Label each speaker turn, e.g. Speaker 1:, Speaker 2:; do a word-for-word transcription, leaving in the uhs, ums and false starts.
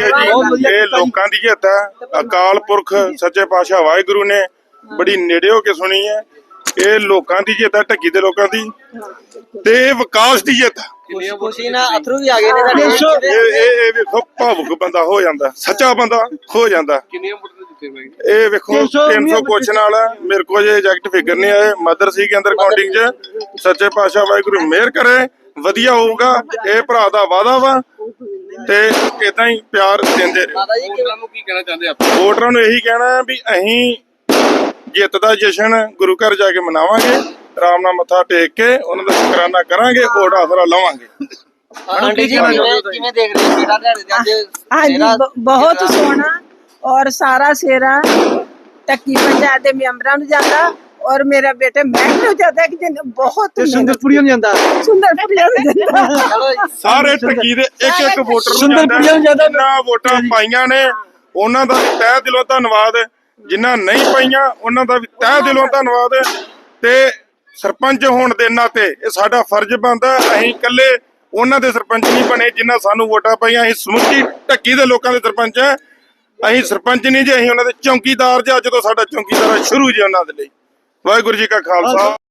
Speaker 1: ਜੀ ਇਹ ਲੋਕਾਂ ਦੀ ਜਿੱਤ ਹੈ। ਅਕਾਲ ਪੁਰਖ ਸੱਚੇ ਪਾਤਸ਼ਾਹ ਵਾਹਿਗੁਰੂ ਨੇ ਬੜੀ ਨੇੜੇ ਹੋ ਕੇ ਸੁਣੀ ਹੈ। ਇਹ ਲੋਕਾਂ ਦੀ ਜਿੱਤ ਹੈ, ਢੱਕੀ ਦੇ ਲੋਕਾਂ ਦੀ, ਤੇ ਇਹ ਵਿਕਾਸ ਦੀ ਜਿੱਤ।
Speaker 2: ਖੁਸ਼ੀ ਨਾਲ ਅਥਰੂ ਵੀ ਆ ਗਏ ਨੇ ਤੁਹਾਡੇ।
Speaker 1: ਇਹ ਇਹ ਇਹ ਵੇਖੋ ਭਾਵੁਕ ਬੰਦਾ ਹੋ ਜਾਂਦਾ, ਸੱਚਾ ਬੰਦਾ ਹੋ ਜਾਂਦਾ। ਇਹ ਵੇਖੋ ਤਿੰਨ ਸੌ ਕੁਛ ਨਾਲ ਮੇਰੇ ਕੋਲ ਜੇ ਐਗਜ਼ੈਕਟ ਫਿਗਰ ਨਹੀਂ ਆਏ, ਮਦਰ ਸੀ ਕੇ ਅੰਦਰ ਕਾਊਂਟਿੰਗ ਚ। ਸੱਚੇ ਪਾਤਸ਼ਾਹ ਵਾਹਿਗੁਰੂ ਮਿਹਰ ਕਰੇ, ਵਧੀਆ ਹੋਊਗਾ। ਇਹ ਭਰਾ ਦਾ ਵਾਅਦਾ ਵਾ ਤੇ ਇਦਾਂ ਹੀ ਪਿਆਰ ਦਿੰਦੇ ਰਹੇ।
Speaker 2: ਵੋਟਰਾਂ ਨੂੰ ਕੀ ਕਹਿਣਾ ਚਾਹੁੰਦੇ ਆਪਾਂ?
Speaker 1: ਵੋਟਰਾਂ ਨੂੰ ਇਹੀ ਕਹਿਣਾ ਵੀ ਅਸੀਂ ਜਿੱਤ ਦਾ ਜਸ਼ਨ ਗੁਰੂ ਘਰ ਜਾ ਕੇ ਮਨਾਵਾਂਗੇ, ਆਰਾਮ ਨਾਲ ਮੱਥਾ ਟੇਕ ਕੇ ਉਹਨਾਂ ਦਾ ਸ਼ੁਕਰਾਨਾ ਕਰਾਂਗੇ, ਵੋਟ ਆਸਰਾ ਲਵਾਂਗੇ।
Speaker 2: ਆਂਟੀ ਜੀ ਕਿਵੇਂ ਕਿਵੇਂ ਦੇਖ ਰਹੇ ਹੋ ਜਿਹੜਾ ਦਿਹਾੜੇ ਦੇ ਅੱਜ?
Speaker 3: ਹਾਂਜੀ ਬਹੁਤ ਸੋਹਣਾ ਔਰ ਸਾਰਾ ਸੇਰਾ ਟੱਕੀ ਪੰਚਾਇਤ ਦੇ ਮੈਂਬਰਾਂ ਨੂੰ ਜਾਂਦਾ ਔਰ ਮੇਰਾ ਬੇਟਾ ਮੈਂ ਨੂੰ ਜਾਂਦਾ ਕਿ ਜਿਹਨੇ ਬਹੁਤ
Speaker 4: ਸੁੰਦਰਪੁਰੀ ਨੂੰ ਜਾਂਦਾ
Speaker 3: ਸੁੰਦਰਪੁਰੀ ਨੂੰ ਜਾਂਦਾ।
Speaker 1: ਸਾਰੇ ਟੱਕੀ ਦੇ ਇੱਕ ਇੱਕ ਵੋਟਰ ਨੂੰ
Speaker 4: ਸੁੰਦਰਪੁਰੀਆਂ ਨੂੰ ਜਾਂਦਾ।
Speaker 1: ਜਿਨ੍ਹਾਂ ਵੋਟਾਂ ਪਾਈਆਂ ਨੇ ਉਹਨਾਂ ਦਾ ਤਹਿ ਦਿਲੋਂ ਧੰਨਵਾਦ, ਜਿਨ੍ਹਾਂ ਨਹੀਂ ਪਾਈਆਂ ਉਹਨਾਂ ਦਾ ਵੀ ਤਹਿ ਦਿਲੋਂ ਧੰਨਵਾਦ। ਤੇ ਸਰਪੰਚ ਹੋਣ ਦੇ ਨਾਤੇ ਇਹ ਸਾਡਾ ਫਰਜ਼ ਬਣਦਾ, ਅਸੀਂ ਇਕੱਲੇ ਉਹਨਾਂ ਦੇ ਸਰਪੰਚ ਨਹੀਂ ਬਣੇ ਜਿਨ੍ਹਾਂ ਸਾਨੂੰ ਵੋਟਾਂ ਪਾਈਆਂ। ਅਸੀਂ ਸਮੁੱਚੀ ਢੱਕੀ ਦੇ ਲੋਕਾਂ ਦੇ ਸਰਪੰਚ ਆ। ਅਸੀਂ ਸਰਪੰਚ ਨਹੀਂ ਜੀ, ਅਸੀਂ ਉਹਨਾਂ ਦੇ ਚੌਕੀਦਾਰ ਜੀ। ਅੱਜ ਤੋਂ ਸਾਡਾ ਚੌਕੀਦਾਰ ਸ਼ੁਰੂ ਜੀ ਉਹਨਾਂ ਦੇ ਲਈ। ਵਾਹਿਗੁਰੂ ਜੀ ਕਾ ਖਾਲਸਾ।